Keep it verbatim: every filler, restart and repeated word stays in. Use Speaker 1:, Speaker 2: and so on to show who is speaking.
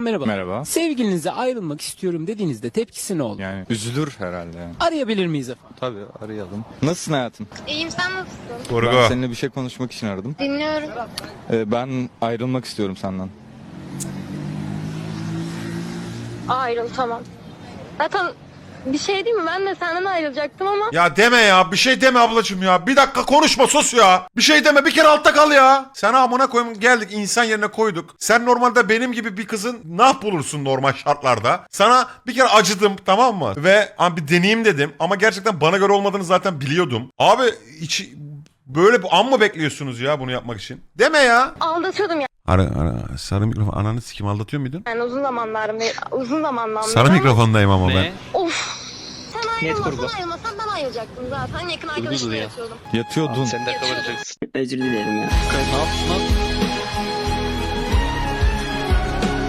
Speaker 1: Merhaba.
Speaker 2: Merhaba.
Speaker 1: Sevgilinize ayrılmak istiyorum dediğinizde tepkisi ne olur?
Speaker 2: Yani üzülür herhalde yani.
Speaker 1: Arayabilir miyiz efendim?
Speaker 2: Tabii arayalım. Nasılsın hayatım?
Speaker 3: İyiyim, sen nasılsın?
Speaker 4: Kurgu.
Speaker 2: Ben seninle bir şey konuşmak için aradım.
Speaker 3: Dinliyorum.
Speaker 2: Ee, ben ayrılmak istiyorum senden.
Speaker 3: Ayrıl, tamam. Zaten bir şey değil mi? Ben de senden ayrılacaktım ama
Speaker 4: Ya deme ya, bir şey deme ablacığım ya. Bir dakika konuşma, sus ya. Bir şey deme, bir kere altta kal ya. Sen amına koyayım, geldik insan yerine koyduk. Sen normalde benim gibi bir kızın ne yap bulursun normal şartlarda. Sana bir kere acıdım, tamam mı? Ve abi bir deneyeyim dedim ama gerçekten bana göre olmadığını zaten biliyordum. Abi hiç böyle bir an mı bekliyorsunuz ya bunu yapmak için? Deme ya.
Speaker 3: aldatıyordum
Speaker 4: Ara, ara, sarı mikrofon, ananı sikim, aldatıyor muydun?
Speaker 3: yani uzun zamanlarım beri, uzun zamandan beri
Speaker 4: Sarı
Speaker 3: ama-
Speaker 4: mikrofondayım ama ben.
Speaker 3: Of. Sen
Speaker 5: Net kurgu.
Speaker 3: ayrılmasan ayrılmasan ben ayrılacaktım zaten. Yakın arkadaşımla
Speaker 5: ya.
Speaker 3: yatıyordum.
Speaker 2: Yatıyordun.
Speaker 5: Sen de kabul edeceksin.
Speaker 6: Özür dilerim ya.
Speaker 5: Ne yaptın lan?